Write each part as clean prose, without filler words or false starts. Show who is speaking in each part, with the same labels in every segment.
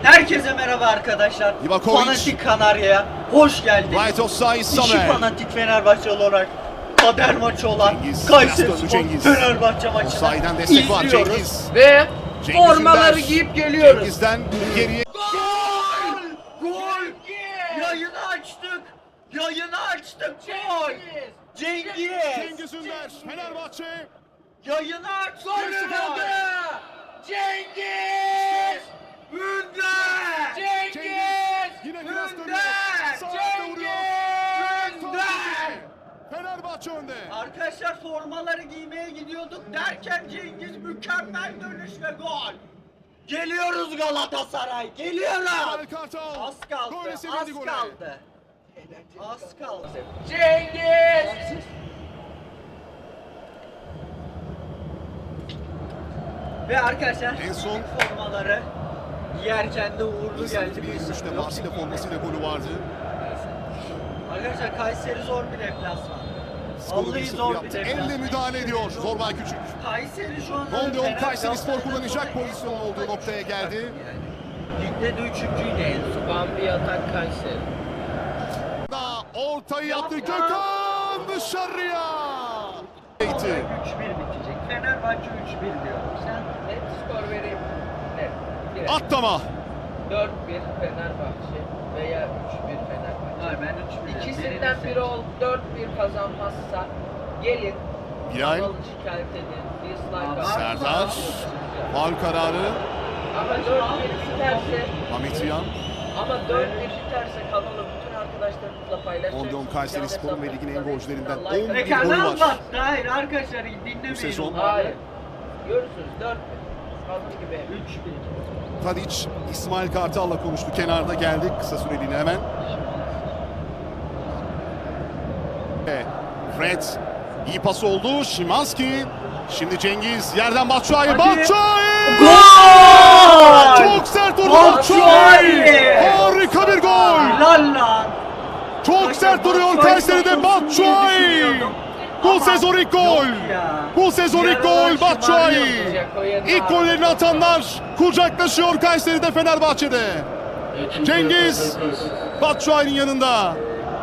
Speaker 1: Herkese merhaba arkadaşlar.
Speaker 2: Livakovic.
Speaker 1: Fanatik Kanarya'ya hoş geldiniz.
Speaker 2: Right offside
Speaker 1: İşi
Speaker 2: Samer.
Speaker 1: fanatik Fenerbahçe olarak kader maçı olan
Speaker 2: Cengiz,
Speaker 1: Kayserispor
Speaker 2: Cengiz.
Speaker 1: Fenerbahçe maçını
Speaker 2: Offside'den destek var
Speaker 1: izliyoruz.
Speaker 2: Cengiz.
Speaker 3: Ve
Speaker 2: Cengiz
Speaker 3: formaları
Speaker 2: Ünder.
Speaker 3: giyip geliyoruz.
Speaker 2: Cengiz'den geriye.
Speaker 1: Gol! Gol! Yayını açtık. Yayını açtık. Gol! Cengiz!
Speaker 2: Cengiz Ünder. Fenerbahçe.
Speaker 1: Yayını açtık.
Speaker 3: Gol! Cengiz!
Speaker 1: Ünder!
Speaker 3: Cengiz!
Speaker 2: Yine biraz dönüyor.
Speaker 1: Ünder!
Speaker 2: Sağda vuruyor.
Speaker 1: Ünder!
Speaker 2: Fenerbahçe önde.
Speaker 1: Arkadaşlar formaları giymeye gidiyorduk derken Cengiz mükemmel dönüş ve gol. Geliyoruz Galatasaray, geliyoruz.
Speaker 2: İsmail Kartal.
Speaker 1: Az kaldı,
Speaker 2: Böyle
Speaker 1: az
Speaker 2: sevindi gole.
Speaker 1: kaldı. Az kaldı.
Speaker 3: Cengiz!
Speaker 1: Ve arkadaşlar
Speaker 2: En son
Speaker 1: formaları giyerken de uğurlu geldi.
Speaker 2: 2023'te Marsilya formasıyla golü vardı.
Speaker 1: Arkadaşlar Kayseri zor bir deplasman.
Speaker 2: Skoru
Speaker 1: Vallahi
Speaker 2: 1-0
Speaker 1: zor bir
Speaker 2: yaptı.
Speaker 1: deplasman.
Speaker 2: Elle müdahale ediyor Zorbay Küçük.
Speaker 1: Kayseri şu anda
Speaker 2: Rondeon Kayserispor
Speaker 1: Galatasaray'dan
Speaker 2: kullanacak
Speaker 1: sonra
Speaker 2: pozisyon olduğu noktaya geldi.
Speaker 1: Ligde de üçüncüydü en son.
Speaker 3: Bambi atak Kayseri.
Speaker 2: Ortayı yaptı Gökhan dışarıya.
Speaker 1: 3-1 bitecek. Fenerbahçe 3-1 diyor. Sen
Speaker 3: Net skor vereyim. Net. Direkt.
Speaker 2: Atlama.
Speaker 3: 4-1 Fenerbahçe veya 3-1 Fenerbahçe.
Speaker 1: hayır ben 3-1.
Speaker 3: İkisinden biri ol 4-1 kazanmazsa gelin.
Speaker 2: Bilal.
Speaker 3: Kanalı şikayet edin. Dislike atın.
Speaker 2: Serdar. Faul kararı.
Speaker 3: Ama 4-1 biterse
Speaker 2: Ahmet
Speaker 3: ama 4-1 biterse kanalı bütün arkadaşlarımızla paylaşacağız.
Speaker 2: Rondeon Kayserispor'un ve ligin en gollerinden
Speaker 3: Like
Speaker 2: 11
Speaker 3: atın.
Speaker 1: E
Speaker 2: golü
Speaker 1: kanal
Speaker 2: var.
Speaker 1: battı. Hayır arkadaşlar dinlemeyin.
Speaker 2: Bu sezon-
Speaker 1: onları.
Speaker 3: Hayır. Görürsünüz 4-1. Kaldığı gibi.
Speaker 1: 3-1.
Speaker 2: Tadiç İsmail Kartal'la konuştu. Kenarda geldi kısa süreliğine hemen. Fred iyi pas oldu. Şimanski. Şimdi Cengiz yerden Batshuayi.
Speaker 1: Hadi.
Speaker 2: Batshuayi!
Speaker 1: Gol!
Speaker 2: Çok sert vurdu
Speaker 1: Batshuayi!
Speaker 2: Batshuayi! Harika bir gol!
Speaker 1: Lan lan.
Speaker 2: Çok sert duruyor Kayseri'de Batshuayi! Bu sezon ilk gol! Bu sezon ilk gol Batshuayi! İlk gollerini atanlar kucaklaşıyor Kayseri'de Fenerbahçe'de. Cengiz Batshuayi'nin yanında.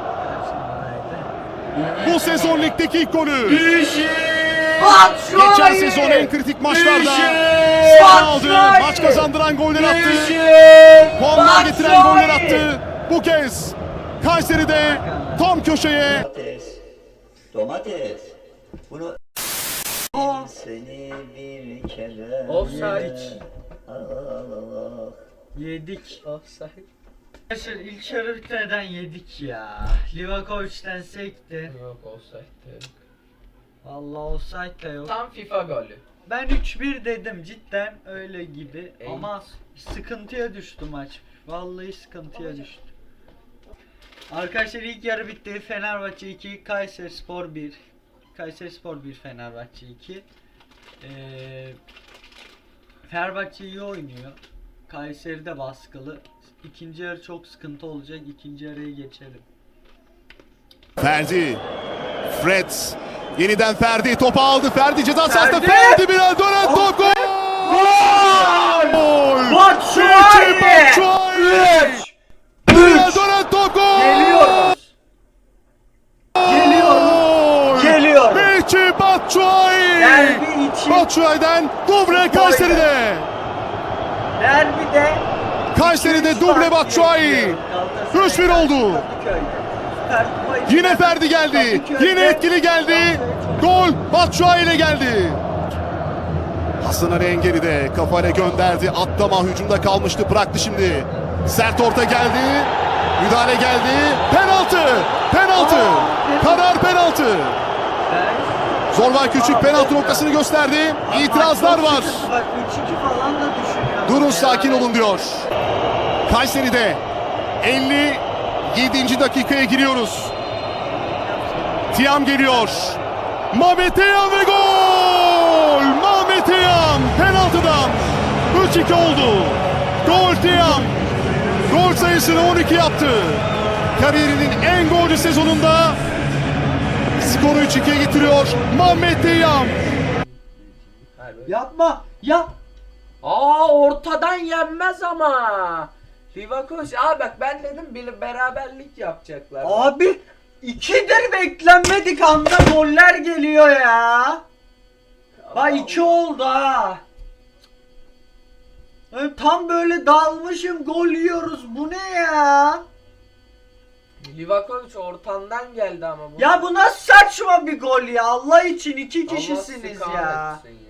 Speaker 2: Bu sezon ligdeki ilk golü. Geçen sezon en kritik maçlarda sahne aldı. Maç kazandıran goller attı. Puanlar getiren goller attı. Bu kez Kayseri'de tam köşeye.
Speaker 4: Domates. Bunu seni bir kere
Speaker 3: Offside.
Speaker 4: Allah.
Speaker 1: Yedik.
Speaker 3: Offside.
Speaker 1: Arkadaşlar ilk yarı bitmeden yedik ya. Livakovic'den sekti.
Speaker 3: Yok offside.
Speaker 1: Vallahi offside de yok.
Speaker 3: Tam FIFA golü.
Speaker 1: Ben 3-1 dedim cidden öyle gibi
Speaker 3: Ey.
Speaker 1: ama sıkıntıya düştü maç. Vallahi sıkıntıya düştü. Arkadaşlar ilk yarı bitti. Fenerbahçe 2, Kayserispor 1. Kayserispor 1, Fenerbahçe 2. Fenerbahçe iyi oynuyor. Kayseri de baskılı. İkinci yarı çok sıkıntı olacak. İkinci yarıya geçelim.
Speaker 2: Ferdi. Fred. Yeniden Ferdi topu aldı. Ferdi ceza sahasında.
Speaker 1: Ferdi!
Speaker 2: Ferdi biraz dönen top. Gol! Gol!
Speaker 1: Batshuayi!
Speaker 2: Michy Batshuayi!
Speaker 1: 3!
Speaker 2: Biraz dönen top. Gol!
Speaker 1: Geliyoruz. Geliyoruz. Geliyoruz.
Speaker 2: Michy Batshuayi!
Speaker 1: Derbi için.
Speaker 2: Batshuayi'den duble Kayseri'de.
Speaker 1: Derbide
Speaker 2: Kayseri'de duble Batshuayi. 3-1 oldu. Yine Ferdi geldi. Yine etkili geldi. Gol Batshuayi ile geldi. Hasan Ali Engeli kafayla gönderdi. Atlama hücumda kalmıştı. Bıraktı şimdi. Sert orta geldi. Müdahale geldi. Penaltı. Penaltı. Karar penaltı. Zorbay Küçük penaltı noktasını gösterdi. İtirazlar var.
Speaker 1: Bak 3-2 falan da düşünüyor.
Speaker 2: Durun sakin olun diyor. Kayseri'de 57. dakikaya giriyoruz. Tiam geliyor. Mehmet Tiam ve gol! Mehmet Tiam penaltıdan 3-2 oldu. Gol Tiam. Gol sayısını 12 yaptı. Kariyerinin en golcü sezonunda skoru 3-2'ye getiriyor Mehmet Tiam.
Speaker 1: Yapma. Yap.
Speaker 3: Ortadan yenmez ama. Livakovic abi bak ben dedim beraberlik yapacaklar.
Speaker 1: Abi 2'dir beklenmedik anda goller geliyor ya. Bak 2 oldu ha. Tam böyle dalmışım gol yiyoruz. Bu ne ya?
Speaker 3: Livakovic ortandan geldi ama bu.
Speaker 1: Ya bu nasıl saçma bir gol ya? Allah için 2
Speaker 3: Allah
Speaker 1: kişisiniz
Speaker 3: kahretsin
Speaker 1: ya.
Speaker 3: ya.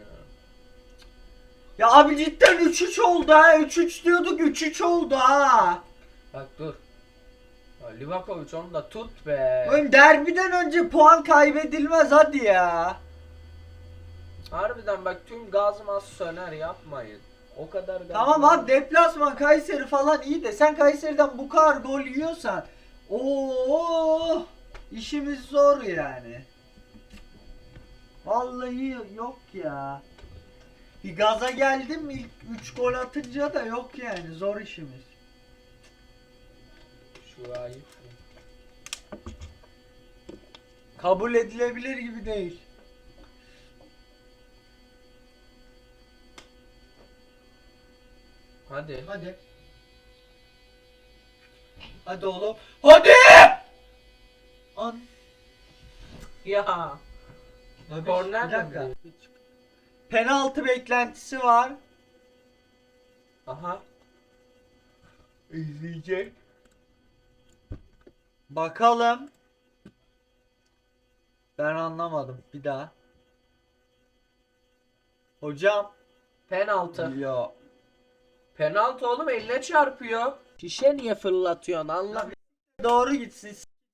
Speaker 1: Ya abi cidden 3-3 oldu ha. 3-3 diyorduk 3-3 oldu ha.
Speaker 3: Bak dur. Ya Livakovic onu da tut be.
Speaker 1: Oğlum derbiden önce puan kaybedilmez hadi ya.
Speaker 3: Harbiden bak tüm gazım az söner yapmayın. O kadar gaz.
Speaker 1: Tamam abi deplasman Kayseri falan iyi de sen Kayseri'den bu kadar gol yiyorsan işimiz zor yani. Vallahi yok ya. Bir gaza geldim ilk 3 gol atınca da yok yani zor işimiz.
Speaker 3: Şu ayıp.
Speaker 1: Kabul edilebilir gibi değil.
Speaker 3: Hadi.
Speaker 1: Hadi. Hadi oğlum. Hadi! An.
Speaker 3: Ya.
Speaker 1: Abi,
Speaker 3: Korner
Speaker 1: bir dakika.
Speaker 3: mi?
Speaker 1: Penaltı beklentisi var.
Speaker 3: Aha.
Speaker 1: İzleyecek. Bakalım. Ben anlamadım. Bir daha. Hocam.
Speaker 3: Penaltı.
Speaker 1: Ya.
Speaker 3: Penaltı oğlum eline çarpıyor. Şişe niye fırlatıyorsun anla.
Speaker 1: Doğru gitsin.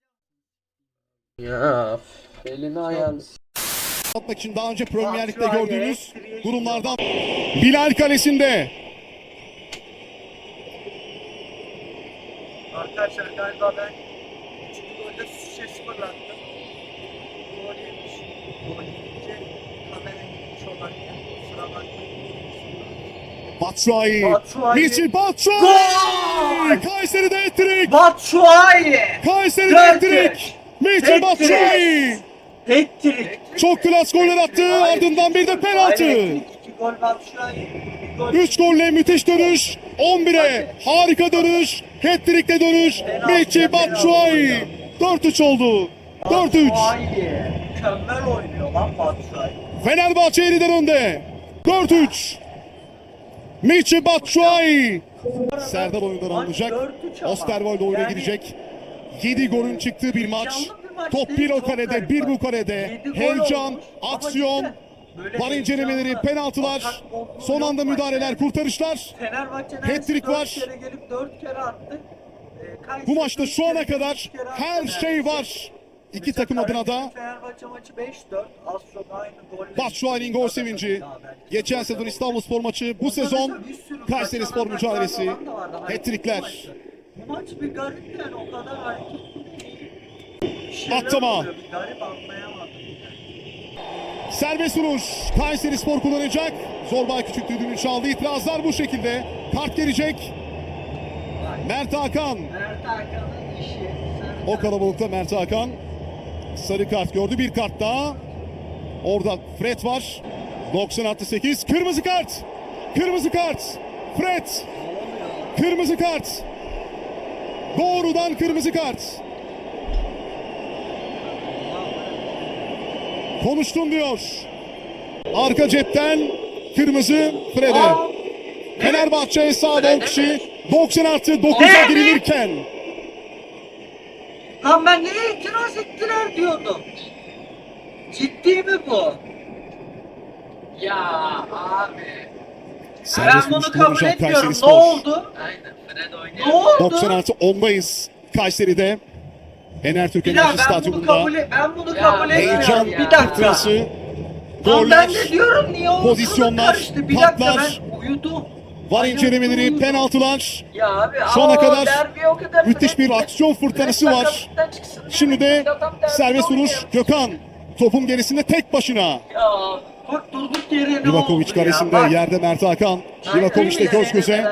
Speaker 3: Ya elini ayağını
Speaker 2: Atmak için daha önce Premier Lig'de
Speaker 1: Batshuayi,
Speaker 2: gördüğünüz
Speaker 1: Ekstri'ye
Speaker 2: durumlardan Bilal kalesinde.
Speaker 1: Arkadaşlar galiba ben 3. golde şişe fırlattım. Gol yemiş. Gol yiyince kamera gitmiş olabilir. Kusura bakmayın.
Speaker 2: Batshuayi.
Speaker 1: Batshuayi.
Speaker 2: Michi Batshuayi.
Speaker 1: Gol!
Speaker 2: Kayseri'de hat-trick.
Speaker 1: Batshuayi!
Speaker 2: Kayseri'de
Speaker 1: Dört
Speaker 2: hat-trick. Michi
Speaker 1: Hat-trick.
Speaker 2: Batshuayi.
Speaker 1: Hat-trick!
Speaker 2: Çok klas goller attı. Ardından bir de penaltı.
Speaker 1: Hayır, 2 gol Batshuayi. 1 gol.
Speaker 2: 3 golle müthiş dönüş. 11'e harika dönüş. Hat-trick'te dönüş. Michi Batshuayi. 4-3 oldu. 4-3.
Speaker 1: Batshuayi. Mükemmel oynuyor lan Batshuayi.
Speaker 2: Fenerbahçe yeniden önde. 4-3. Michi Batshuayi. Serdar oyundan alınacak.
Speaker 1: 4-3 ama.
Speaker 2: Osterwolde oyuna
Speaker 1: Yani-
Speaker 2: girecek. 7 golün çıktığı bir maç.
Speaker 1: Heyecanlı bir maç
Speaker 2: Top
Speaker 1: değil,
Speaker 2: bir o
Speaker 1: çok
Speaker 2: kalede,
Speaker 1: garip
Speaker 2: bir
Speaker 1: bak.
Speaker 2: bu kalede.
Speaker 1: 7 gol
Speaker 2: Heyecan,
Speaker 1: olmuş ama
Speaker 2: aksiyon,
Speaker 1: cidden böyle
Speaker 2: var incelemeleri,
Speaker 1: heyecanlı,
Speaker 2: penaltılar,
Speaker 1: atak olduğu
Speaker 2: son
Speaker 1: yok
Speaker 2: anda
Speaker 1: maçta
Speaker 2: müdahaleler,
Speaker 1: yani.
Speaker 2: kurtarışlar.
Speaker 1: Fenerbahçe
Speaker 2: Hat-trick var.
Speaker 1: 4 kere gelip 4 kere attı. Kayseri
Speaker 2: Bu maçta
Speaker 1: üç
Speaker 2: şu ana
Speaker 1: kere,
Speaker 2: kadar
Speaker 1: üç kere attı
Speaker 2: her şey
Speaker 1: neredeyse.
Speaker 2: var. İki
Speaker 1: Mesela
Speaker 2: takım adına da
Speaker 1: Kayseri Fenerbahçe maçı 5-4. Az çok aynı golle.
Speaker 2: Batshuayi'nin gol sevinci. Geçen sezon İstanbulspor maçı, bu sezon Kayseri Spor mücadelesi. Hat-trickler.
Speaker 1: Bu maç bir garip yani o kadar hareketli değil. Bir şeyler
Speaker 2: Atlama.
Speaker 1: oluyor, bir garip anlayamadım.
Speaker 2: Serbest vuruş. Kayseri Spor kullanacak. Zorbay Küçük düdüğünü çaldı. İtirazlar bu şekilde. Kart gelecek. Mert Hakan.
Speaker 1: Mert Hakan'ın işi.
Speaker 2: O kalabalıkta Mert Hakan sarı kart gördü. Bir kart daha. Orada Fred var. 90+8. Kırmızı kart. Kırmızı kart. Fred. Kırmızı kart. Doğrudan kırmızı kart. Konuştum diyor. Arka cepten kırmızı Fred'e. Fenerbahçe sağda 10 kişi 90+9'a girilirken
Speaker 1: Lan ben niye itiraz ettiler diyordum. Ciddi mi bu?
Speaker 3: Ya abi.
Speaker 2: serbest
Speaker 1: Ben bunu
Speaker 2: vuruş
Speaker 1: kabul
Speaker 2: kullanacak
Speaker 1: etmiyorum.
Speaker 2: Kayseri
Speaker 1: Ne
Speaker 2: Spor.
Speaker 1: oldu?
Speaker 3: Aynen Fred oynuyor.
Speaker 1: Ne oldu?
Speaker 2: 90+10'dayız Kayseri'de. Enertürk
Speaker 1: Bir daha
Speaker 2: Enerji Stadyumunda.
Speaker 1: ben bunu
Speaker 3: Ya,
Speaker 1: kabul
Speaker 2: Heyecan
Speaker 1: etmiyorum. Bir dakika.
Speaker 2: fırtınası,
Speaker 1: Lan
Speaker 2: goller,
Speaker 1: ben de diyorum niye ortalık
Speaker 2: pozisyonlar,
Speaker 1: karıştı. Bir dakika
Speaker 2: patlar,
Speaker 1: ben uyudum.
Speaker 2: var
Speaker 1: Ayakta
Speaker 2: incelemeleri,
Speaker 1: uyudum.
Speaker 2: penaltılar.
Speaker 3: Ya abi
Speaker 2: Şu ana kadar
Speaker 3: derbi o kadar
Speaker 2: müthiş bir aksiyon fırtınası var. Şimdi de serbest vuruş Gökhan. Topun gerisinde tek başına.
Speaker 3: Ya
Speaker 1: Bak durduk yere ne
Speaker 2: Livakovic
Speaker 1: oldu ya?
Speaker 2: karesinde,
Speaker 1: Bak,
Speaker 2: yerde Mert Hakan. Livakovic de göz göze.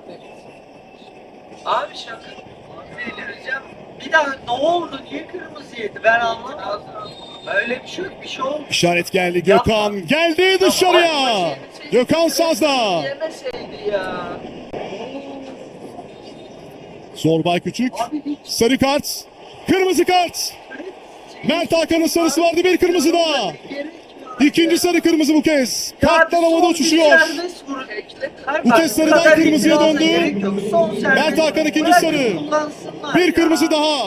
Speaker 3: Abi şaka.
Speaker 1: delireceğim. Bir daha ne oldu? Niye kırmızı yedi? Ben anlamadım. Öyle bir şey yok, bir şey olmuş.
Speaker 2: İşaret geldi. Gökhan geldi dışarıya. Gökhan Sazda.
Speaker 3: Yemeseydi ya.
Speaker 2: Zorbay Küçük.
Speaker 1: Abi hiç
Speaker 2: Sarı kart. Kırmızı kart. Mert Hakan'ın sarısı vardı, bir kırmızı daha.
Speaker 1: gerek yok.
Speaker 2: İkinci sarı kırmızı bu kez.
Speaker 1: Ya
Speaker 2: Kartlar
Speaker 1: son
Speaker 2: havada
Speaker 1: bir
Speaker 2: uçuşuyor.
Speaker 1: serbest vuruş. Hayır,
Speaker 2: Bu
Speaker 1: bak,
Speaker 2: kez sarıdan
Speaker 1: kadar
Speaker 2: kırmızıya
Speaker 1: itiraz'a
Speaker 2: döndü.
Speaker 1: gerek yok. Son serbest
Speaker 2: Mert Hakan ikinci
Speaker 1: bırakın
Speaker 2: sarı.
Speaker 1: kullansınlar
Speaker 2: Bir
Speaker 1: ya.
Speaker 2: kırmızı daha.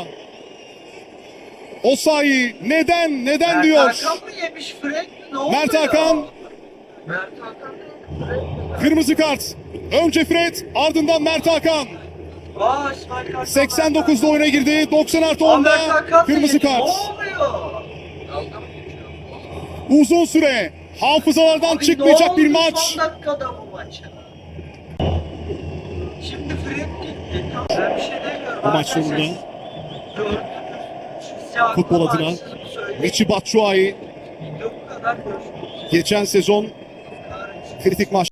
Speaker 2: Osayi neden
Speaker 1: Mert
Speaker 2: diyor.
Speaker 1: Hakan mı yemiş Fred mi? Ne oluyor?
Speaker 2: Mert Hakan
Speaker 3: Mert Hakan değil.
Speaker 2: kırmızı kart. Önce Fred, ardından Mert Hakan.
Speaker 1: Aa, İsmail Kartal.
Speaker 2: 89'da oyuna girdi. 90 artı
Speaker 1: Aa, Mert
Speaker 2: 10'da
Speaker 1: Hakan
Speaker 2: kırmızı
Speaker 1: da yedi.
Speaker 2: kart.
Speaker 1: Ne oluyor?
Speaker 3: Dalga mı geçiyor?
Speaker 2: Uzun süre hafızalardan
Speaker 1: Abi
Speaker 2: çıkmayacak
Speaker 1: ne
Speaker 2: bir
Speaker 1: oldu
Speaker 2: maç.
Speaker 1: son dakikada bu maça? Şimdi Fred gitti. Tamam, ben bir şey demiyorum.
Speaker 2: Bu maç
Speaker 1: Arkadaşlar,
Speaker 2: sonunda
Speaker 1: gördünüz. Size aklı
Speaker 2: futbol adına
Speaker 1: haksızlık söyleyeyim.
Speaker 2: Michy Batshuayi
Speaker 1: Bu kadar görüşürüz.
Speaker 2: geçen sezon
Speaker 1: Kahretsin.
Speaker 2: kritik maç